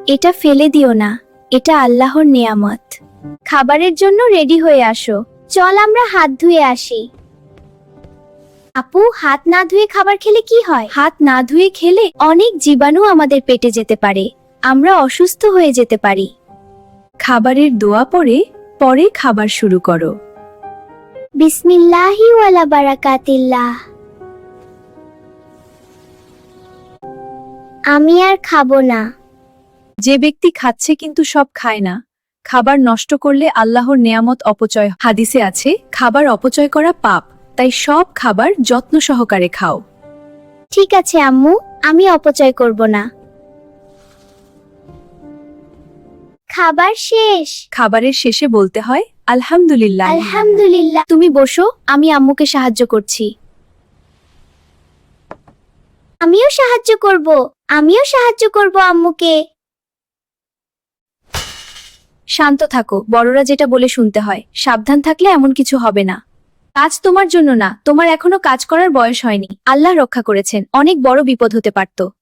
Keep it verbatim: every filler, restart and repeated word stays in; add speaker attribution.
Speaker 1: এটা ফেলে দিও না, এটা আল্লাহর নেয়ামত। খাবারের জন্য রেডি হয়ে আসো। চল আমরা হাত ধুয়ে আসি। আপু, হাত না ধুয়ে খাবার খেলে কি হয়? হাত না ধুয়ে খেলে অনেক জীবাণু আমাদের পেটে যেতে পারে, আমরা অসুস্থ হয়ে যেতে পারি।
Speaker 2: খাবারের দোয়া পরে পরে খাবার শুরু করো।
Speaker 1: বিসমিল্লাহি ওয়ালা বারাকাতিল্লাহ। আমি আর খাবো না।
Speaker 2: যে ব্যক্তি খাচ্ছে কিন্তু সব খায় না, খাবার নষ্ট করলে আল্লাহর নেয়ামত অপচয়। হাদিসে আছে, খাবার অপচয় করা পাপ, তাই সব খাবার যত্ন সহকারে খাও।
Speaker 1: ঠিক আছে আম্মু, আমি অপচয় করব না। খাবার শেষ।
Speaker 2: খাবারের শেষে বলতে হয় আলহামদুলিল্লাহ।
Speaker 1: আলহামদুলিল্লাহ। তুমি বসো, আমি আম্মুকে সাহায্য করছি। আমিও সাহায্য করব, আমিও সাহায্য করব আম্মুকে।
Speaker 2: শান্ত থাকো, বড়রা যেটা বলে শুনতে হয়। সাবধান থাকলে এমন কিছু হবে না। কাজ তোমার জন্য না, তোমার এখনো কাজ করার বয়স হয়নি। আল্লাহ রক্ষা করেছেন, অনেক বড় বিপদ হতে পারত।